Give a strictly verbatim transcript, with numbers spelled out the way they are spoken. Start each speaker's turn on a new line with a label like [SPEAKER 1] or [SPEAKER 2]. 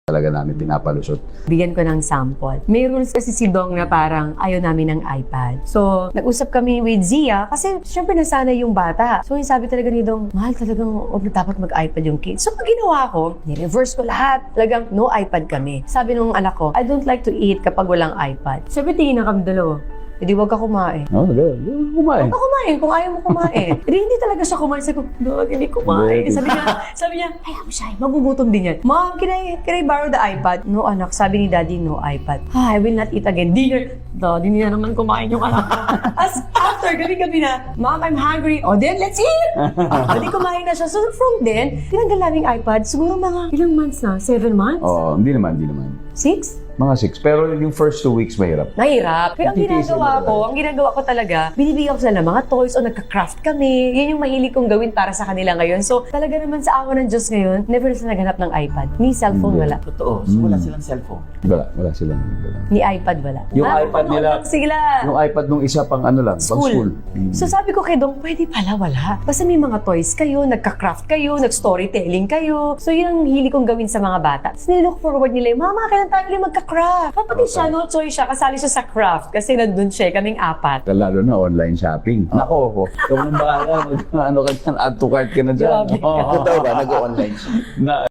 [SPEAKER 1] talaga namin pinapalusot.
[SPEAKER 2] Bigyan ko ng sample. May rules kasi si Dong na parang ayaw namin ng iPad. So, nag-usap kami with Zia kasi syempre nasanay yung bata. So, yung sabi talaga ni Dong, mahal talagang huwag na dapat mag-iPad yung kids. So, pag ginawa ko, ni-reverse ko lahat. Talagang no iPad kami. Sabi nung anak ko, I don't like to eat kapag walang iPad. Sabi, tingin na kami dalawa. Hindi, huwag ka kumain.
[SPEAKER 1] Oo, oh, kumain.
[SPEAKER 2] Huwag ka kumain kung ayaw mo kumain. Hindi, hindi talaga siya kumain. Sabi ko, Dog, hindi kumain. Sabi niya, sabi niya, hayaan mo siya, magugutom din yan. Mom, can I, can I borrow the iPad? No, anak. Sabi ni Daddy, no iPad. Ah, I will not eat again. Dinner. Daddy, hindi na naman kumain yung anak ko. As after, gabi-gabi na, Mom, I'm hungry. O, then, let's eat! O, di kumain na siya. So, from then, tinanggal namin iPad. Siguro mga ilang months na? Seven months?
[SPEAKER 1] Oo, hindi naman, hindi naman.
[SPEAKER 2] Six?
[SPEAKER 1] Mga six. Pero yung first two weeks, mahirap.
[SPEAKER 2] Mahirap. Pero ang
[SPEAKER 1] Titiisin
[SPEAKER 2] ginagawa
[SPEAKER 1] mo
[SPEAKER 2] ko, ang ginagawa ko talaga, binibigyan ko sila ng mga toys o nagka-craft kami. Yan yung mahilig kong gawin para sa kanila ngayon. So, talaga naman sa awa ng Diyos ngayon, never na sila naghanap ng iPad. Ni cellphone, wala.
[SPEAKER 3] Totoo. So, wala silang cellphone.
[SPEAKER 1] Wala, wala silang. Wala.
[SPEAKER 2] Ni iPad, wala.
[SPEAKER 1] Yung
[SPEAKER 2] Ah,
[SPEAKER 1] iPad nila,
[SPEAKER 2] ano, sila.
[SPEAKER 1] yung iPad nung isa pang ano lang, pang
[SPEAKER 2] School.
[SPEAKER 1] school. Hmm.
[SPEAKER 2] So sabi ko kay Dong, pwede pala wala. Basta may mga toys kayo, nagka-craft kayo, nag-storytelling kayo. So yun ang hilig kong gawin sa mga bata. Tapos nilook forward nila, Mama, kailan tayo ulit magka-craft? Kapati siya, no choice siya, kasali siya sa craft. Kasi nandun siya, kaming apat.
[SPEAKER 1] Lalo na online shopping. Nako, ako. Ikaw nang bahala. Mag, ano ka dyan, add to cart ka na dyan.
[SPEAKER 2] Grabe.
[SPEAKER 1] Oo. Totoo ba? Nag-online siya. Na,